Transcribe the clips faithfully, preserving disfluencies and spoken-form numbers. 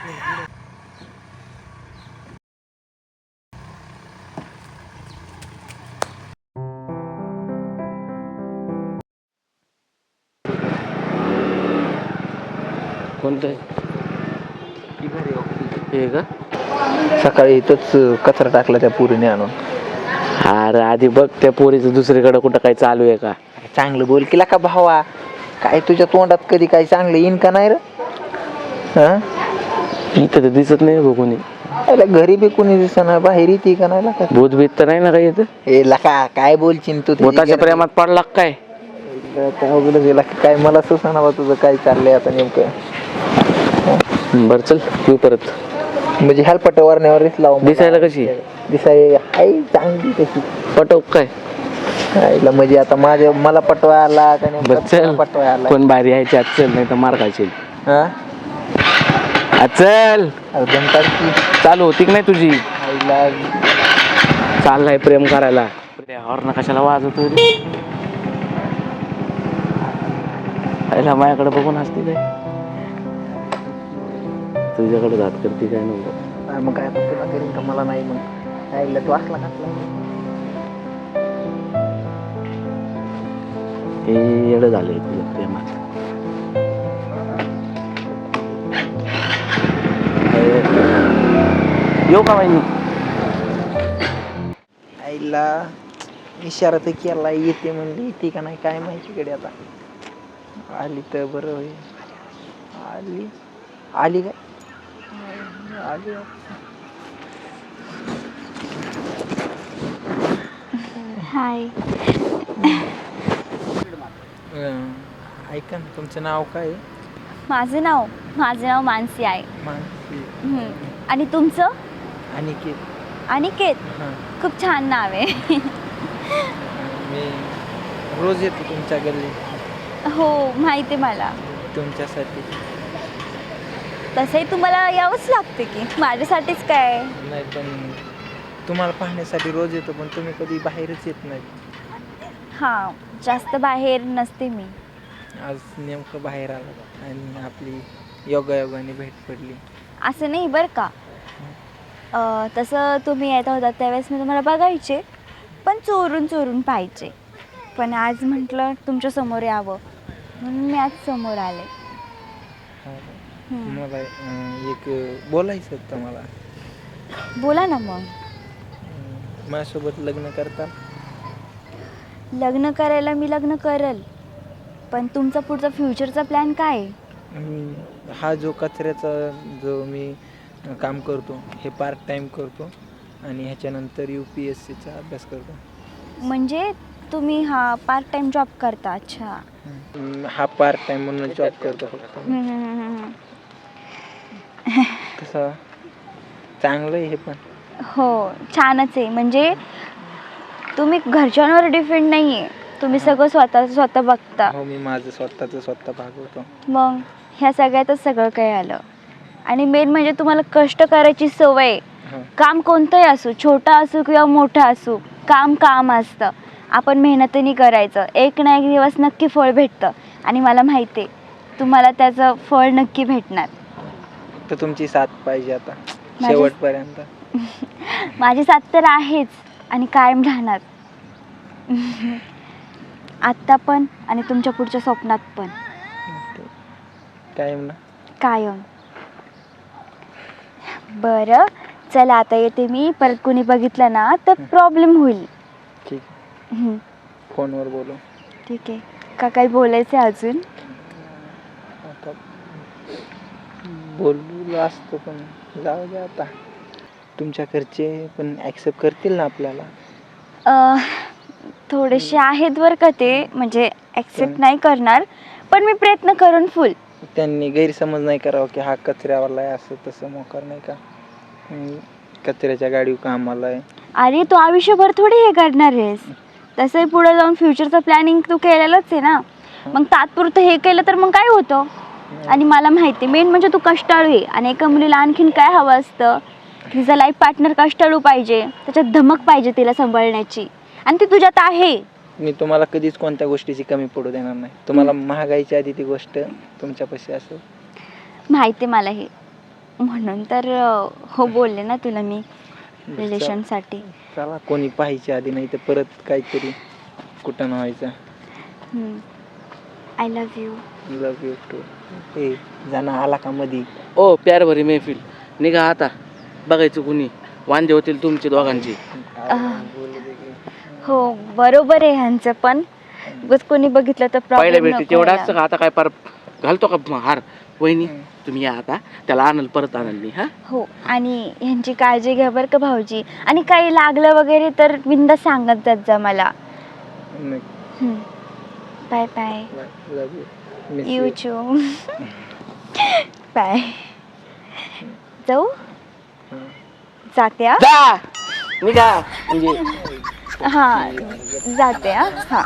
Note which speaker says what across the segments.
Speaker 1: कोणतं हे का?
Speaker 2: सकाळी इथंच कचरा टाकला त्या पोरीने आणून.
Speaker 1: अरे आधी बघ त्या पोरीचं दुसरीकडे कुठं काही चालू आहे का?
Speaker 2: चांगलं बोल केला का भावा? काय तुझ्या तोंडात कधी काही चांगलं येईन का नाही रे? हा
Speaker 1: इथं तर दिसत नाही बघ कोणी.
Speaker 2: त्याला घरी बी कोणी दिसणार, बाहेर येते का नाही का?
Speaker 1: भूत बीत तर नाही ना काही इथं?
Speaker 2: ए लका काय बोलशील तू?
Speaker 1: भूताच्या प्रेमात पडला का काय?
Speaker 2: काय मला सुचना बा तुझं काय चाललंय आता नेमकं.
Speaker 1: बर चल तू परत.
Speaker 2: म्हणजे ह्याल पटवारण्यावर लाव.
Speaker 1: दिसायला कशी?
Speaker 2: दिसाय आई चांगली तशी.
Speaker 1: पटव काय?
Speaker 2: आईला म्हणजे आता माझ्या मला पटवा आला का नाही?
Speaker 1: चल
Speaker 2: पटवा आला
Speaker 1: पण भारी यायची आज, चल नाही तर मार खायची.
Speaker 2: हा
Speaker 1: चल
Speaker 2: की
Speaker 1: चालू होती की नाही तुझी?
Speaker 2: आईला
Speaker 1: चाललाय प्रेम करायला. हॉर्न कशाला वाजवतो रे? आईला माझ्याकडे बघून असते काय? तुझ्याकडे जात करते काय नव्हतं.
Speaker 2: मग काय तुला करीन का? मला नाही मग आईला तू असला घातला.
Speaker 1: हे येडं झालंय तुझ्या प्रेमात. येऊ का बाई?
Speaker 2: आईला इशारा तर केला, येते म्हणली, येते का नाही काय माहिती कडे. आता आली तर बरं होईल. आली आली काय आली.
Speaker 3: हाय.
Speaker 2: ऐका ना, तुमचं नाव काय?
Speaker 3: माझं नाव माझं नाव मानसी आहे.
Speaker 2: मानसी.
Speaker 3: आणि तुमचं?
Speaker 2: अनिकेत.
Speaker 3: अनिकेत?
Speaker 2: हां.
Speaker 3: खूप छान नाव आहे.
Speaker 2: मी रोज येतो तुमच्या गल्ली.
Speaker 3: हो माहिती आहे मला.
Speaker 2: तुमच्यासाठी.
Speaker 3: तसंही तुम्हाला यावंच लागते की, माझ्यासाठीच काय.
Speaker 2: नाही पण तुम्हाला पाहण्यासाठी रोज येतो, पण तुम्ही कधी बाहेरच येत नाही.
Speaker 3: हां जास्त बाहेर नसते मी.
Speaker 2: आज नेमकं बाहेर आला आणि आपली योगायोगाने भेट पडली.
Speaker 3: असं नाही बरं का. तसं तुम्ही येत होता त्यावेळेस मी तुम्हाला बघायचे, पण चोरून चोरून पाहायचे. पण आज म्हटलं तुमच्या समोर यावं म्हणून मी आज समोर आले.
Speaker 2: मला एक बोलायचं होतं. मला
Speaker 3: बोला ना. मग
Speaker 2: माझ्यासोबत लग्न करता?
Speaker 3: लग्न करायला मी लग्न करेल, पण तुमचा पुढचा फ्युचरचा प्लॅन काय आहे?
Speaker 2: हा जो कचऱ्याचा जो मी काम करतो हे पार्ट टाइम करतो आणि ह्याच्यानंतर यू पी एस सीचा अभ्यास करतो.
Speaker 3: म्हणजे तुम्ही हा पार्ट टाइम जॉब करता? अच्छा.
Speaker 2: हा पार्ट टाइम म्हणून जॉब करतो फक्त. कसं चांगलं आहे हे पण.
Speaker 3: हो छानच आहे. म्हणजे तुम्ही घरच्यांवर डिपेंड नाही आहे, तुम्ही सगळं स्वतः स्वतः बघता.
Speaker 2: हो मी माझं स्वतःचं स्वतः भागवतो.
Speaker 3: मग ह्या सगळ्यातच सगळं काही आलं. आणि मेन म्हणजे तुम्हाला कष्ट करायची सवय. काम कोणतंही असो, छोटा असो किंवा मोठा असो, काम काम असतं. आपण मेहनतीने करायचं, एक ना एक दिवस नक्की फळ भेटतं. आणि मला माहिती आहे तुम्हाला त्याचं फळ नक्की भेटणार.
Speaker 2: तर तुमची साथ पाहिजे आता शेवटपर्यंत.
Speaker 3: माझी साथ तर आहेच आणि कायम राहणार. आत्ता पण आणि तुमच्या पुढच्या स्वप्नात पण.
Speaker 2: कायम ना?
Speaker 3: कायम. बरं चला आता येते मी. परत कोणी बघितलं ना तर प्रॉब्लेम होईल.
Speaker 2: ठीक आहे. फोनवर बोलू.
Speaker 3: ठीक आहे. का काही बोलायचं आहे अजून?
Speaker 2: आता बोलू असतो पण जाऊ दे आता. तुमच्या घरचे पण ॲक्सेप्ट करतील ना आपल्याला?
Speaker 3: थोडेसे आहेत बरं का ते, म्हणजे ॲक्सेप्ट नाही करणार, पण मी प्रयत्न करून फुल.
Speaker 2: त्यांनी गैरसमज नाही करावं की हा कचऱ्यावाला आहे असं तसं मोकार नाही का. कचऱ्याच्या गाडीवर कामाला आहे.
Speaker 3: अरे तू आयुष्यभर थोडी हे करणार आहेस. तसंही पुढे जाऊन फ्युचरचं प्लॅनिंग तू केलेलंच आहे ना. मग तात्पुरतं हे केलं तर मग काय होतं. आणि मला माहिती मेन म्हणजे तू कष्टाळू आहे. आणि एका मुलीला आणखीन काय हवं असतं, तिचा लाईफ पार्टनर कष्टाळू पाहिजे, त्याच्यात धमक पाहिजे तिला सांभाळण्याची, आणि ती तुझ्यात आहे.
Speaker 2: मी तुम्हाला कधीच कोणत्या गोष्टीची कमी पडू देणार नाही. तुम्हाला महागाईच्या आधी ती गोष्ट तुमच्यापाशी असेल.
Speaker 3: माहिती मला हे. म्हणून तर अं, हो बोलले ना तुला मी रिलेशनसाठी.
Speaker 2: चला कोणी पाहायच्या आधी नाही तर परत काहीतरी कुठं न व्हायचं.
Speaker 3: I love you.
Speaker 2: Love you too. हे जाणं आला का मधी?
Speaker 1: ओ प्यार भरी मैफिल, निघा आता. बघायचं कुणी वांदे होतील तुमचे दोघांची.
Speaker 3: हो बरोबर आहे ह्यांचं, पण बस कोणी बघितलं तर
Speaker 1: पहिल्या
Speaker 3: प्रॉब्लेम
Speaker 1: भेटी तेवढा असतं का? आता काय पार घालतो का हार? वहिनी तुम्ही या आता, त्याला आणल परत आणल मी. हा
Speaker 3: हो, आणि ह्यांची काळजी घ्या बरं का भाऊजी. आणि काही लागलं वगैरे तर बिंदा सांगत जात जा मला. Bye bye.
Speaker 2: Love you.
Speaker 3: You too. Bye. जाऊ जाते हा.
Speaker 1: जा निघा म्हणजे
Speaker 3: हा जाते हा. हा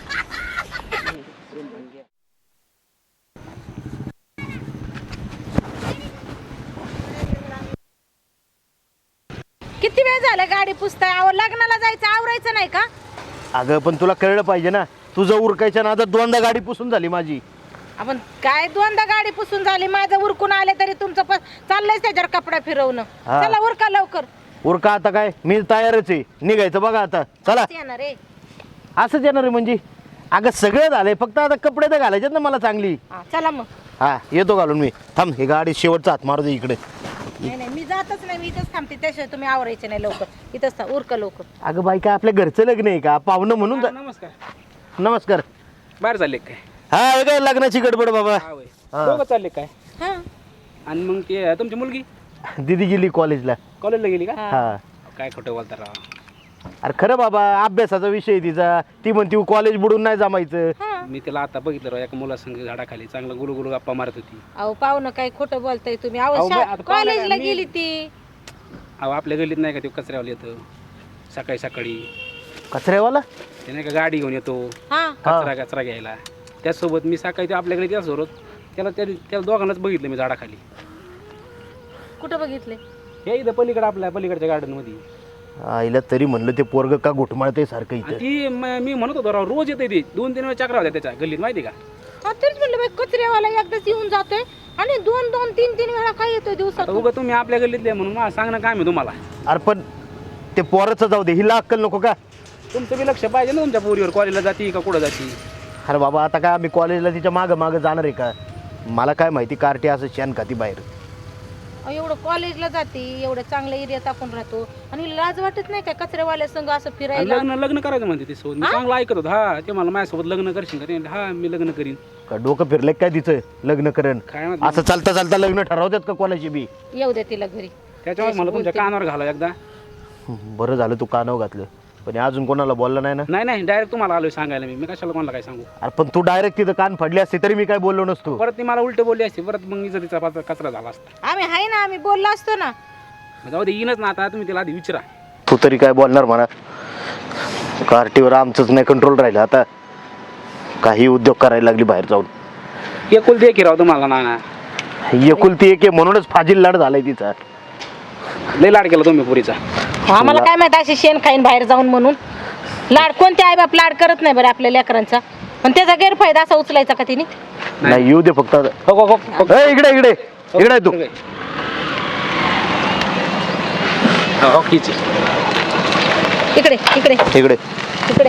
Speaker 4: किती वेळ झाला गाडी पुसताय? अहो लग्नाला जायचं, आवरायचं नाही का?
Speaker 5: अगं पण तुला कळलं पाहिजे ना, तुझं उरकायच्या नादात दोनदा गाडी पुसून झाली माझी.
Speaker 4: आपण काय दोनदा गाडी पुसून झाली, माझं उरकून आले तरी तुमचं पण चाललंय त्याच्यावर कपडा फिरवणं.
Speaker 5: हा.
Speaker 4: चला उरका लवकर.
Speaker 5: उरका आता काय, मी तयारच आहे निघायचं बघा आता. चला.
Speaker 4: येणार रे.
Speaker 5: असंच येणार आहे म्हणजे? अगं सगळं झालंय, फक्त आता कपडे तर घालायचे ना मला चांगली.
Speaker 4: हा, चला मग.
Speaker 5: हा येतो घालून मी. थांब, ही गाडी शेवटचा हात मारू दे इकडे.
Speaker 4: नाही नाही मी जातच नाही, मी इथंच थांबते. त्याशिवाय तुम्ही आवरायचे नाही लवकर. इथंच था- उरका लवकर.
Speaker 5: अगं बाई, काय आपल्या घरचं लग्न आहे का? पाहुणं म्हणून जा-
Speaker 6: नमस्कार.
Speaker 5: नमस्कार.
Speaker 6: बाहेर चालले काय?
Speaker 5: हा हे काय लग्नाची गडबड बाबा.
Speaker 6: हा होय.
Speaker 5: हा.
Speaker 6: दोघं चालले काय?
Speaker 4: हा
Speaker 6: आणि मग ते तुमची मुलगी
Speaker 5: दिदी गेली कॉलेजला.
Speaker 6: कॉलेजला गेली का?
Speaker 5: हा.
Speaker 6: काय खोटं बोलता राव.
Speaker 5: अरे खरं बाबा, अभ्यासाचा विषय आहे तिचा. ती म्हणती कॉलेज बुडून नाही जमायचं.
Speaker 6: मी तिला आता बघितलं राव, एका मुलासंग झाडाखाली चांगलं गुलू गुलू गप्पा मारत होती.
Speaker 4: अहो पाहुणं काय खोटं बोलताय तुम्ही?
Speaker 6: अहो,
Speaker 4: अहो
Speaker 6: मी आता पाहुणं
Speaker 4: कॉलेजला
Speaker 6: काय, मी-
Speaker 4: गेली ती.
Speaker 6: अहो आपल्या गल्लीत नाही का ते कचऱ्यावाला येतं सकाळी सकाळी,
Speaker 5: कचऱ्यावाला?
Speaker 6: ते नाही का गाडी घेऊन येतो
Speaker 4: हा
Speaker 6: कचरा कचरा घ्यायला. त्याचसोबत मी सकाळी ते आपल्याकडे त्याचसोबत त्याला त्या त्याला दोघांनाच बघितलं मी झाडाखाली.
Speaker 4: कुठं बघितले?
Speaker 6: हे इथं पलीकडे आपल्या पलीकडच्या गार्डन मध्ये.
Speaker 5: आईला तरी म्हणलं ते पोरग का घुटमाळते सारखं
Speaker 6: आणि
Speaker 5: इथं.
Speaker 6: ती म- मी म्हणत होतो राव, रोज येते ती. दोन तीन वेळा चक्रा होत्या त्याच्या गल्लीत माहिती का?
Speaker 4: हा तेच म्हणलं बाई, कचऱ्यावाला एकदाच येऊन जातोय आणि दोन दोन तीन तीन वेळा काय येतोय
Speaker 6: आता
Speaker 4: दिवसात?
Speaker 6: उगा तुम्ही आपल्या गल्लीतले म्हणून मला सांगणं काय मी तुम्हाला.
Speaker 5: अरे पण ते पोराचं जाऊ दे, हिला अक्कल नको का?
Speaker 6: तुमचं बी लक्ष पाहिजे ना तुमच्या पोरीवर, कॉलेजला जाती का कुठं जाती.
Speaker 5: अरे बाबा, आता काय आम्ही कॉलेजला तिच्या मागं मागं जाणार आहे का? मला काय माहिती कार्टी असं शेण खाती बाहेर.
Speaker 4: अहो, एवढं कॉलेजला जाते, एवढं चांगल्या एरियात आपण राहतो आणि लाज वाटत नाही काय कचऱ्यावाल्या संघ असं
Speaker 6: आणि
Speaker 4: फिरायला?
Speaker 6: लग्न लग्न करायचं म्हणते ते सोबत. मी चांगलं ऐकत होतो. हा ते मला माझ्यासोबत लग्न करशील का? ते म्हणले, हा मी लग्न करीन.
Speaker 5: का डोकं फिरलंय काय तिचं लग्न करण?
Speaker 6: काय माहिती.
Speaker 5: असं चालता चालता लग्न ठरवतात का कोणाची बी?
Speaker 4: येऊ द्या तिला घरी.
Speaker 6: त्याच्यामुळे मला तुमच्या कानावर घाला एकदा.
Speaker 5: बरं झालं तू कानाव घातलं, पण हे अजून कोणाला बोललं नाही ना?
Speaker 6: नाही नाही डायरेक्ट तुम्हाला आलोय सांगायला. मी मी कशाला कोणाला काय सांगू.
Speaker 5: अरे पण तू डायरेक्ट तिथं कान फाडली असते तरी मी काय बोललो नसतो.
Speaker 6: परत ती मला उलट बोलली असते, परत मग इज्जतीचा पाच- कचरा झाला असता.
Speaker 4: आम्ही आहे ना, आम्ही बोललो असतो ना.
Speaker 6: मग जाऊ दे, येईनच ना आता. तुम्ही तिला आधी विचारा.
Speaker 5: तू तरी काय बोलणार म्हणा? कार्टीवर आमचंच नाही कंट्रोल राहिलं आता. काही उद्योग करायला लागली बाहेर जाऊन.
Speaker 6: एकुलती एक राव तुम्हाला ना.
Speaker 5: एकुलती एक आहे म्हणूनच फाजील लाड झालाय तिचा.
Speaker 6: लय लाड केला तुम्ही पुरीचा.
Speaker 4: आम्हाला काय माहित अशी शेण खाईन बाहेर जाऊन म्हणून. लाड कोणते आई बाप लाड करत नाही बरं आपल्या लेकरांचा, पण त्याचा गैरफायदा असा उचलायचा का तिने?
Speaker 5: नाही येऊ दे फक्त आता.
Speaker 6: हो हो हो हो.
Speaker 5: ए, इकडे इकडे इकडे आहे तू.
Speaker 6: हो, हो, हीच आहे.
Speaker 4: इकडे इकडे
Speaker 5: इकडे
Speaker 4: इकडे.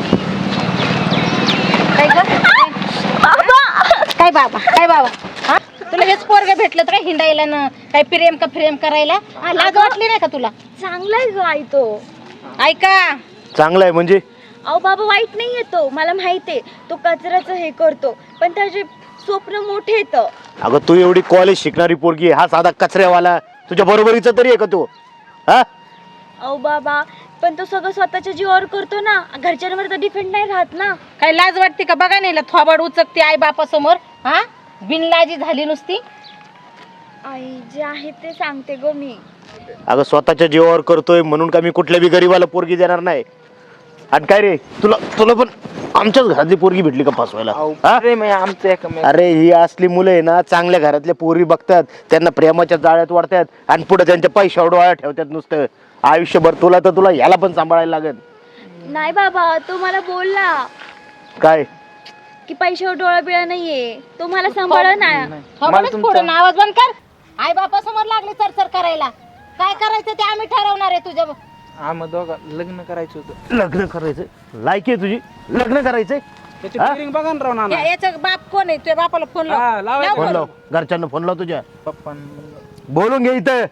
Speaker 4: काय ग? काय बाबा काय बाबा? हा तुला हेच पोरग भेटलं तर काय हिंडायला ना? काय प्रेम का प्रेम करायला? हा, लाज वाटली नाही का तुला?
Speaker 3: चांगला आहे ग आई तो.
Speaker 4: ऐका,
Speaker 5: चांगलं आहे म्हणजे?
Speaker 3: अहो बाबा वाईट नाही येतो, मला माहिती आहे तो कचऱ्याचं हे करतो, पण त्याचे स्वप्न मोठे येतं.
Speaker 5: अगं तू एवढी कॉलेज शिकणारी पोरगी आहे, हा साधा कचऱ्यावाला तुझ्या बरोबरीचा तरी आहे का तू? हा
Speaker 3: अहो बाबा, पण तो सगळं स्वतःच्या जीवावर करतो ना, घरच्यांवर तर डिपेंड नाही राहत ना.
Speaker 4: काय लाज वाटते का? बघा नाही थोबाड उचकते आई बापा समोर. हा बिनलाजी झाली नुसती.
Speaker 3: आई जे आहे ते सांगते गो मी.
Speaker 5: अगं स्वतःच्या जीवावर करतोय म्हणून का मी कुठल्या बी गरीबाला पोरगी देणार नाही? आणि काय रे, तुला तुला पण आमच्याच घरातली पोरगी भेटली का फसवायला? हा?
Speaker 2: प्रेम आहे आमचं एकमेक.
Speaker 5: अरे ही असली मुलं आहे ना, चांगल्या घरातल्या पोरी बघतात, त्यांना प्रेमाच्या जाळ्यात वाढतात आणि पुढे त्यांच्या पैशावर डोळा ठेवतात नुसतं. आयुष्यभर तुला तर तुला ह्याला पण सांभाळायला लागेल.
Speaker 3: नाही बाबा, तो मला बोलला
Speaker 5: काय?
Speaker 3: की पैशावर डोळा बिळा नाहीये, तो मला सांभाळ ना.
Speaker 4: थोबाडच फोडून आवाज बंद कर. आई बापासमोर लागली चरचर करायला. काय करायचं ते आम्ही ठरवणार आहे तुझ्या.
Speaker 2: आम्हा दोघा लग्न करायचं होतं.
Speaker 5: लग्न करायचं लायकी आहे तुझी लग्न करायचंय
Speaker 6: त्याची
Speaker 5: हा?
Speaker 6: ट्रेनिंग बघा ना राव नाना.
Speaker 4: या- याचा बाप कोण आहे? तुझ्या बापाला फोन लाव.
Speaker 6: हा, लावायचं.
Speaker 4: लाव
Speaker 5: फोन
Speaker 4: फोन.
Speaker 5: लाव घरच्यांना फोन लाव तुझ्या
Speaker 2: पप्पा
Speaker 5: बोलून घे इथं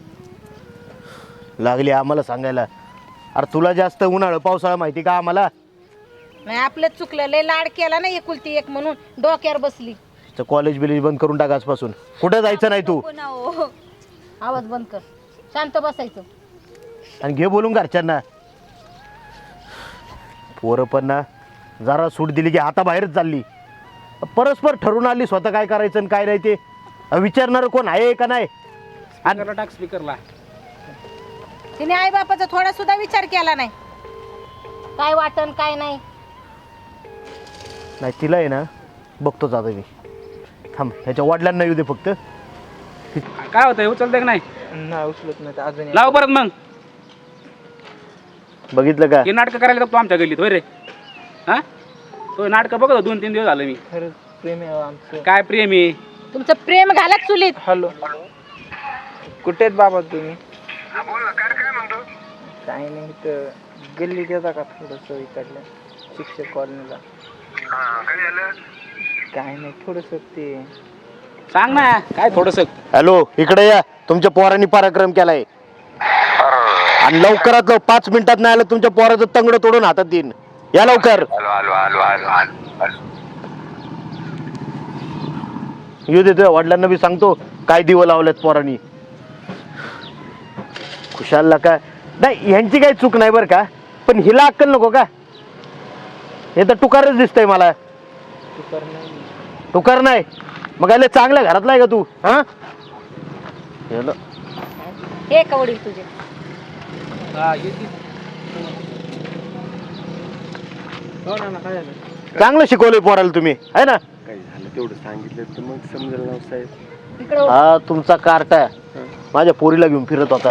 Speaker 5: लागली आम्हाला सांगायला. अरे तुला जास्त उन्हाळा पावसाळा माहिती का आम्हाला?
Speaker 4: नाही आपलं चुकलं. लय लाड केला ना एकुलती एक म्हणून डोक्यावर बसली.
Speaker 5: कॉलेज बिलेज बंद करून टाक आजपासून. कुठं जायचं नाही तू.
Speaker 3: नको ना हो.
Speaker 4: आवाज बंद कर. शांत बसायचं.
Speaker 5: आणि घे बोलून घरच्यांना. पोरं पण ना जरा सूट दिली की हाताबाहेरच चालली. परस्पर ठरून आली स्वतः काय करायचं आणि काय नाही ते विचारणार कोण आहे का नाही.
Speaker 6: स्पीकरला टाक स्पीकरला.
Speaker 4: तिने आई बापाचा थोडा सुद्धा विचार केला नाही. काय वाटन काय नाही.
Speaker 5: नाही तिला आहे ना बघतोच आता मी. थांब ह्याच्या वडिलांना येऊ दे फक्त.
Speaker 6: काय होतंय उचलते का नाही?
Speaker 2: नाही उचलत नाही अजून.
Speaker 6: लाव परत मग.
Speaker 5: बघितलं का
Speaker 6: हे नाटकं करायला लागतो आमच्या गल्लीत होय रे. हा तो नाटकं बघतो दोन तीन दिवस झालं मी.
Speaker 2: खरंच प्रेम आहे आमचं.
Speaker 6: काय प्रेम आहे.
Speaker 4: तुमचं प्रेम घालत चुलीत.
Speaker 2: हॅलो कुठे आहेत बाबा तुम्ही? काही नाही तर गल्लीत येता का थोडस इकडल्या शिक्षक कॉलनीला? काय नाही थोडस ते.
Speaker 6: सांग ना काय थोडस.
Speaker 5: हॅलो इकडे या. तुमच्या पोरांनी पराक्रम केलाय आणि लवकरात लवकर पाच मिनिटात नाही आलं तुमच्या पोराचं तंगड तोडून हातात देईन. या लवकर. येऊ देतो वडिलांना बी सांगतो काय दिवं लावल्यात पोरांनी. खुशालला काय नाही ह्यांची काही चूक नाही बरं का पण हिला अक्कल नको का? हे तर टुकारच दिसतंय मला.
Speaker 2: तुकार नाही.
Speaker 5: टुकार नाही मग आले चांगल्या घरातला आहे का तू? हा याला
Speaker 4: हे कवडी तुझे.
Speaker 6: हा येते.
Speaker 2: हो ना ना काय झालं?
Speaker 5: चांगलं शिकवलंय पोराला तुम्ही आहे ना.
Speaker 7: काही झालं तेवढं सांगितलं तर मग समजेल ना साहेब.
Speaker 4: इकडे
Speaker 5: हा तुमचा कार्टा माझ्या पोरीला घेऊन फिरत होता.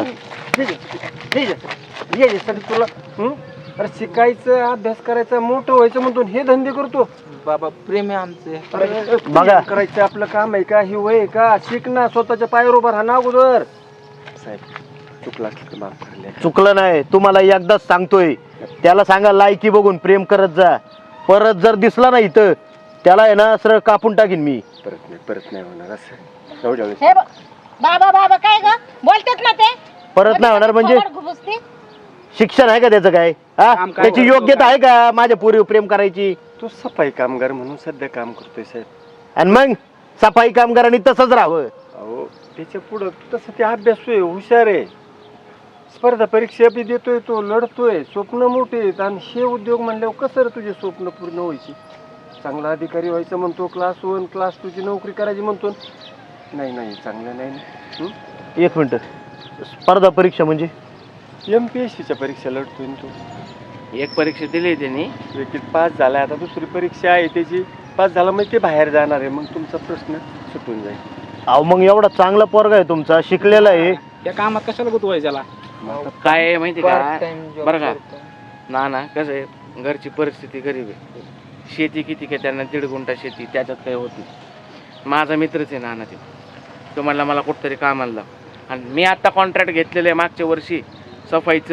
Speaker 7: तुला हं? अरे शिकायचं अभ्यास करायचा मोठं व्हायचं म्हणतो हे धंदे करतो.
Speaker 2: बाबा प्रेम आहे आमचं.
Speaker 7: अरे
Speaker 5: बघा.
Speaker 7: करायचं आपलं काम आहे का? ही वय आहे का? शिक ना स्वतःच्या पायावर उभा राहा ना अगोदर. साहेब चुकला असलं माफ करले.
Speaker 5: चुकलं नाही तुम्हाला एकदाच सांगतोय. त्याला सांगा लायकी बघून प्रेम करत जा. परत जर दिसला नाही इथं त्याला आहे ना सरळ कापून टाकीन मी.
Speaker 7: परत नाही परत नाही होणार असं एवढ्या वेळेस.
Speaker 4: हे ब- बाबा बाबा काय ग बोलतात ना ते.
Speaker 5: परत नाही होणार म्हणजे
Speaker 4: कमर घुबसते.
Speaker 5: शिक्षण आहे का त्याचं काय? हा
Speaker 6: काम काय
Speaker 5: त्याची
Speaker 6: करतो
Speaker 5: योग्यता आहे का माझ्या पोरीवर प्रेम करायची?
Speaker 7: तो सफाई कामगार म्हणून सध्या काम करतोय साहेब.
Speaker 5: आणि मग सफाई कामगारांनी तसंच राहावं.
Speaker 7: अहो त्याच्या पुढं तसं ते अभ्यास आहे हुशार आहे. स्पर्धा परीक्षा बी देतोय तो लढतोय. स्वप्न मोठे आहेत आणि हे उद्योग म्हणल्यावर कसं रे तुझे स्वप्न पूर्ण व्हायची? चांगला अधिकारी व्हायचं म्हणतो. क्लास वन क्लास टूची नोकरी करायची म्हणतो. नाही नाही चांगलं नाही हं?
Speaker 5: एक मिनिट स्पर्धा परीक्षा म्हणजे
Speaker 7: एम पी एस सीच्या परीक्षा लढतोय ना तो.
Speaker 1: एक परीक्षा दिली त्यांनी.
Speaker 7: विकेट पास झालाय आता दुसरी परीक्षा आहे त्याची. पास झाला म्हणजे ते बाहेर जाणार आहे. मग तुमचा प्रश्न सुटून जाईल.
Speaker 5: अहो मग एवढा चांगला पोरगा आहे तुमचा शिकलेला आहे.
Speaker 6: त्या कामात कशाला गुतवायचं त्याला.
Speaker 1: काय आहे माहिती
Speaker 2: पार्ट
Speaker 1: का
Speaker 2: टाइम जॉब
Speaker 1: बरं का
Speaker 2: करतो.
Speaker 1: ना ना कसं आहे घरची परिस्थिती गरीब आहे. शेती किती काय त्यांना दीड गुंठा शेती त्याच्यात काही होत नाही. माझा मित्रच आहे नाना ते. तो म्हणला मला कुठंतरी कामाला लाव. आणि मी आता कॉन्ट्रॅक्ट घेतलेलं आहे मागच्या वर्षी सफाईचं.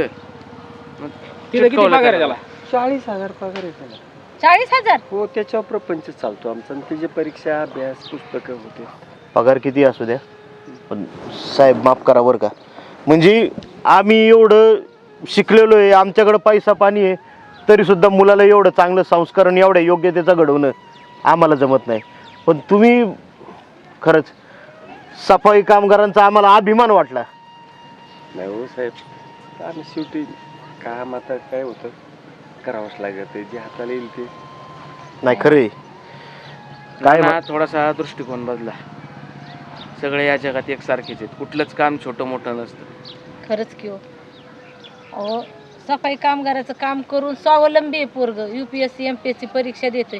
Speaker 1: मग
Speaker 6: तिथे किती
Speaker 1: चिटकवलं
Speaker 6: पगार आहे
Speaker 1: त्याला.
Speaker 6: त्याला?
Speaker 7: चाळीस हजार पगार आहे त्याला.
Speaker 4: चाळीस हजार.
Speaker 7: हो त्याच्यावर प्रपंच चालतो आमचा. आणि त्याची परीक्षा अभ्यास पुस्तकं होते.
Speaker 5: पगार किती असू द्या पण साहेब माफ करा बरं का. म्हणजे आम्ही एवढं शिकलेलो आहे आमच्याकडं पैसा पाणी आहे तरी सुद्धा मुलाला एवढं चांगलं संस्कार आणि एवढ्या योग्यतेचं घडवणं आम्हाला जमत नाही. पण तुम्ही खरंच सफाई कामगारांचा आम्हाला अभिमान वाटला.
Speaker 7: नाही हो साहेब आम्ही शेवटी काम आता काय होतं करावंच लागत आहे. जे हाताला येईल ते.
Speaker 5: नाही खरे काय
Speaker 1: ना थोडासा दृष्टिकोन बदला. सगळे या जगात एकसारखेच आहेत. कुठलंच काम छोटं मोठं नसतं.
Speaker 4: खरंच की हो. अहो सफाई कामगाराचं काम करून स्वावलंबी आहे पोरग. युपीएससी एमपीएससी परीक्षा देतोय.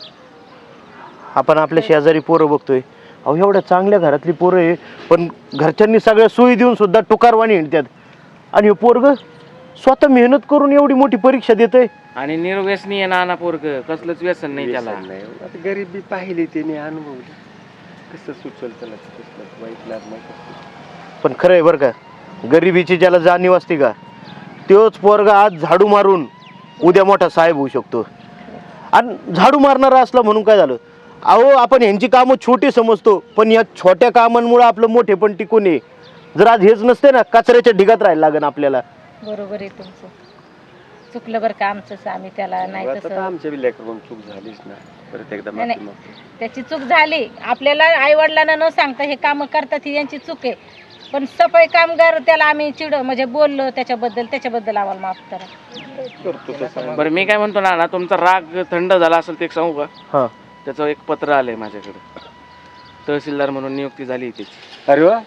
Speaker 5: आपण आपल्या शेजारी पोरं बघतोय. अहो एवढ्या चांगल्या घरातली पोरं आहे पण घरच्यांनी सगळ्या सोयी देऊन सुद्धा टुकारवाणी हिंडतात. आणि हे पोरग स्वतः मेहनत करून एवढी मोठी परीक्षा देतोय.
Speaker 1: आणि निर्व्यसनी आहे नाना पोरग. कसलंच व्यसन नाही त्याला.
Speaker 7: व्यसन नाही. आता गरिबी पाहिली त्याने अनुभवली. कसं सुचल त्याला तसलं वाईट लाभ नाही कसं.
Speaker 5: पण खरं आहे बरं का, गरिबीची ज्याला जाणीव असते का तोच पोरगा आज झाडू मारून उद्या मोठा साहेब होऊ शकतो. आणि झाडू मारणारा असला म्हणून काय झालं, अहो आपण यांची कामं छोटी समजतो, पण या छोट्या कामांमुळे आपलं मोठे पण टिकून आहे. जर आज हेच नसते ना, कचऱ्याच्या ढिगात राहायला लागेल आपल्याला.
Speaker 4: बरोबर आहे तुमचं. चुकलं बरं का आमचंच, आम्ही त्याला नाही
Speaker 7: आता तर
Speaker 4: तसं.
Speaker 7: आमच्या बी लेकराकडून चूक झालीच ना, परत एकदा
Speaker 4: नाही,
Speaker 7: माफी
Speaker 4: नाही.
Speaker 7: मागतो.
Speaker 4: त्याची चूक झाली. आपल्याला आई वडिलांना न सांगता हे कामं करतात ही यांची चूक आहे. पण सफाई कामगार त्याला आम्ही चिड म्हणजे बोललो त्याच्याबद्दल त्याच्याबद्दल आम्हाला माफ करा.
Speaker 7: करतो तसं.
Speaker 1: बरं मी काय म्हणतो ना ना तुमचा राग थंड झाला असेल ते एक सांगू का?
Speaker 5: हां
Speaker 1: त्याचं एक पत्र आलंय माझ्याकडे, तहसीलदार म्हणून नियुक्ती झाली आहे त्याची.
Speaker 7: अरे वा,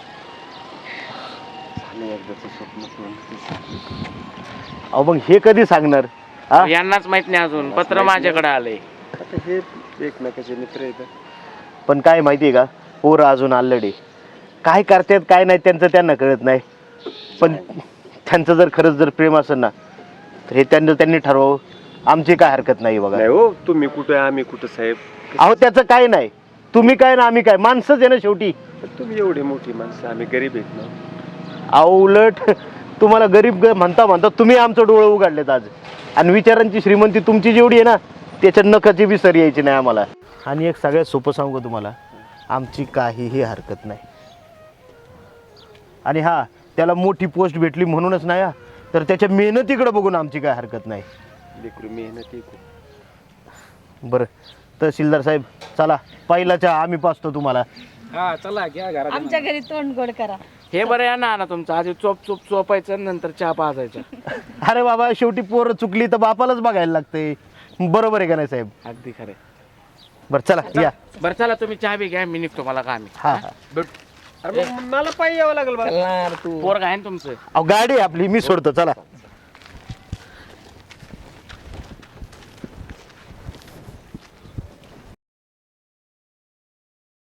Speaker 7: झालं एकदाचं स्वप्न पूर्ण.
Speaker 5: अहो मग हे कधी सांगणार हा?
Speaker 1: यांनाच माहित नाही अजून, पत्र माझ्याकडे आलंय.
Speaker 7: आता हे एकमेकाचे मित्र आहेत.
Speaker 5: पण काय माहिती आहे का, पोरं अजून आलडे काय करतात काय नाही त्यांचं त्यांना कळत नाही. पण त्यांचं जर खरंच जर प्रेम असेल ना तर हे त्यांनी त्यांनी ठरवावं. आमची काय हरकत नाही बघा.
Speaker 7: नाही हो, तुम्ही कुठे आम्ही कुठं साहेब.
Speaker 5: अहो त्याचं काय नाही, तुम्ही काय ना आम्ही काय, माणसंच आहे ना शेवटी.
Speaker 7: तुम्ही एवढी मोठी माणसं, आम्ही गरीब आहेत ना.
Speaker 5: अहो उलट तुम्हाला गरीब ग- म्हणता म्हणता तुम्ही आमचं डोळं उघडलेत आज. आणि विचारांची श्रीमंती तुमची जेवढी आहे ना त्याच्या नखाची बी सर यायची नाही आम्हाला. आणि एक सगळ्यात सोपं सांगू का तुम्हाला, आमची काहीही हरकत नाही. आणि हा त्याला मोठी पोस्ट भेटली म्हणूनच नाही हा, तर त्याच्या मेहनतीकडे बघून आमची काय हरकत नाही.
Speaker 7: लेकरू मेहनती खूप.
Speaker 5: बरं तहसीलदार साहेब चला, पहिला चहा आम्ही पाचतो तुम्हाला.
Speaker 6: हा चला घ्या घरात.
Speaker 4: आमच्या घरी तोंड गोड करा.
Speaker 1: हे बरं या ना ना तुमचं, आधी चोप चोप चोपायचं नंतर चहा पाजायचा.
Speaker 5: अरे बाबा शेवटी पोरं चुकली तर बापालाच बघायला लागते, बरोबर आहे का नाही साहेब?
Speaker 1: अगदी खरे.
Speaker 5: बरं चला या.
Speaker 1: बरं चला तुम्ही चहा बी घ्या, मी निघतो, मला काम आहे.
Speaker 5: हा हा
Speaker 7: अरे मग मला पायी यावं लागेल बा.
Speaker 2: चल ना यार तू.
Speaker 1: पोरग आहे ना तुमचं?
Speaker 5: अहो गाडी आहे आपली, मी सोडतो चला.